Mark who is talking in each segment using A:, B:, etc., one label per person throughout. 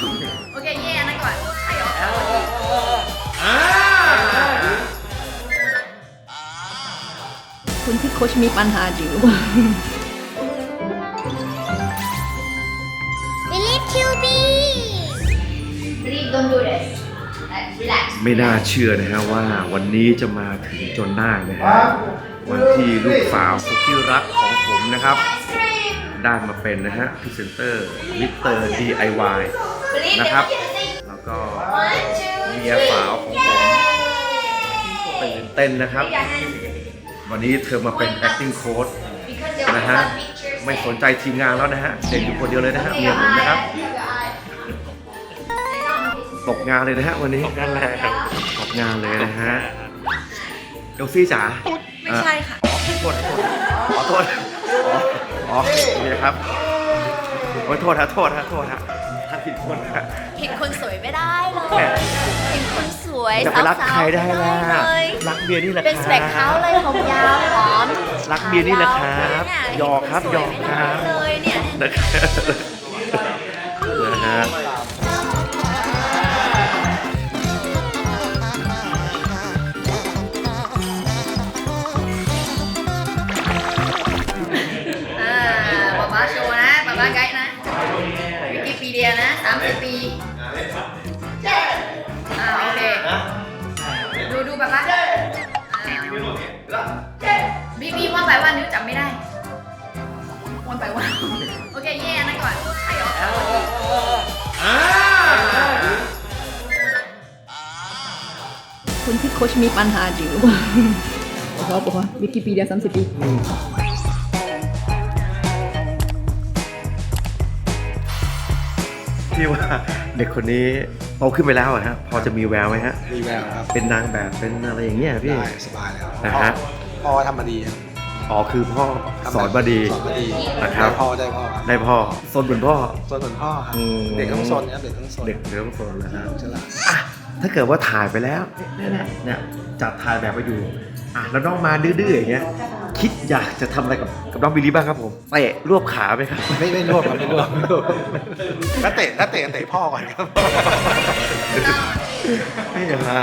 A: OK 耶，那个还有。
B: คุณที่โค้ชมีปัญหาอยู่
C: Believe QB
A: Please don't do this. Relax.
D: ไม่น่าเชื่อนะฮะว่าวันนี้จะมาถึงจนได้นะฮะวันที่ลูกสาวสุดที่รักของผมนะครับ ได้มาเป็นนะฮะพรีเซนเตอร์มิสเตอร์ DIY นะครับแล้วก็เมียสาวของผมตื่นเต้นนะครับ วันนี้เธอมาเป็น acting coach นะฮะไม่สนใจทีมงานแล้วนะฮะเด็กอยู่คนเดียวเลยนะฮะเมียผมนะครับตกงานเลยนะฮะวันนี้ตกงานเลยนะฮะเอลซี่จ๋า
A: ไม่ใช่ค่ะ
D: ขอโทษอ๋อนี่ครับขอโทษฮะถ้าผิดคนฮะ
A: ผิดคนสวยไม่ได้เลยผิดคนสวย
D: จะไปรักใครได้ล่ะ
A: เลย
D: รักเบียร์นี่แหละ
A: เป็นสเปคเขาเลยผมยาวหอม
D: รักเบียร์นี่แหละครับหยอกครับหยอกครับ
A: เลยเนี่ย
D: นะฮะ
A: ป๊าป๊าโชว์นะป๊าป๊าไกด์นะวิกิพีเดียนะ30 ปีโอเคดูป๊าป๊าบีว่าไปว่านิ้วจำไม่ได้วันไปว่าโอเคเย่นั่นก่อนใครออก
B: คุณที่โค้ชมีปัญหาอยู่ บอกว่าวิกิพีเดีย30 ปี
D: พี่ว่าเด็กคนนี้โตขึ้นไปแล้วอะฮะพอจะมีแววไหมฮะ
E: มีแววครับ
D: เป็นนางแบบเป็นอะไรอย่างเงี้ยพี่
E: ได้สบายแล้ว
D: นะฮะ
E: พ่อทำมาดีครับ
D: อ๋อคือพ่อสอนมาดี
E: สอนมาดี
D: นะครับ
E: ได้พ่อ
D: ซนเหมือนพ่อ
E: ส่วนเหมือนพ่อครับ
D: อืม
E: เด็กต้องสนครับเด็กต้องสน
D: เด็กต้องซนนะฮะ
E: ฉลาด
D: อ่ะถ้าเกิดว่าถ่ายไปแล้วเนี่ยจัดถ่ายแบบไปอยู่อ่ะแล้วน้องมาดื้อๆอย่างเงี้ยคิดอยากจะทำอะไรกับน้องบิลลี่บ้างครับผมเตะรวบขาไหมครับ
E: ไม่รวบครับไม่รวบถ้าเตะพ่อก่อนครับ
D: ไม่อย่ามา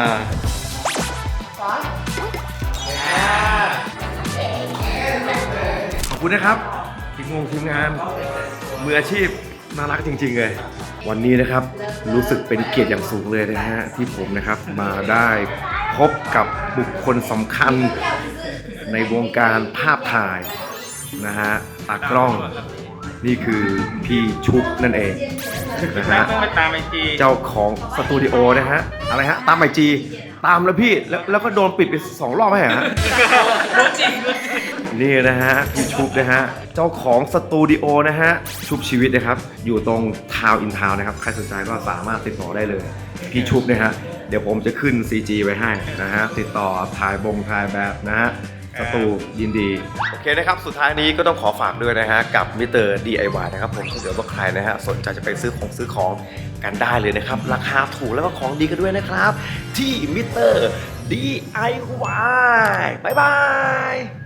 D: ขอบคุณนะครับทีมงานมืออาชีพน่ารักจริงๆเลยวันนี้นะครับรู้สึกเป็นเกียรติอย่างสูงเลยนะฮะที่ผมนะครับมาได้พบกับบุคคลสำคัญในวงการภาพถ่ายนะฮะตากล้องนี่คือพี่ชุบนั่นเองนะฮะเจ้าของสตูดิโอนะฮะอะไรฮะตามไอจีตามแล้วพี่แล้วก็โดนปิดไป2 รอบไหมฮะนี่นะฮะพี่ชุบนะฮะเจ้าของสตูดิโอนะฮะชุบชีวิตนะครับอยู่ตรงทาวน์อินทาวน์นะครับใครสนใจก็สามารถติดต่อได้เลยพี่ชุบนะฮะเดี๋ยวผมจะขึ้น CG ไว้ให้นะฮะติดต่อถ่ายแบบนะฮะสตูยินดีโอเคนะครับสุดท้ายนี้ก็ต้องขอฝากด้วยนะฮะกับมิสเตอร์ DIY นะครับผมถ้าเกิดว่าใครนะฮะสนใจจะไปซื้อของกันได้เลยนะครับราคาถูกแล้วก็ของดีกันด้วยนะครับที่มิสเตอร์ DIY บ๊ายบาย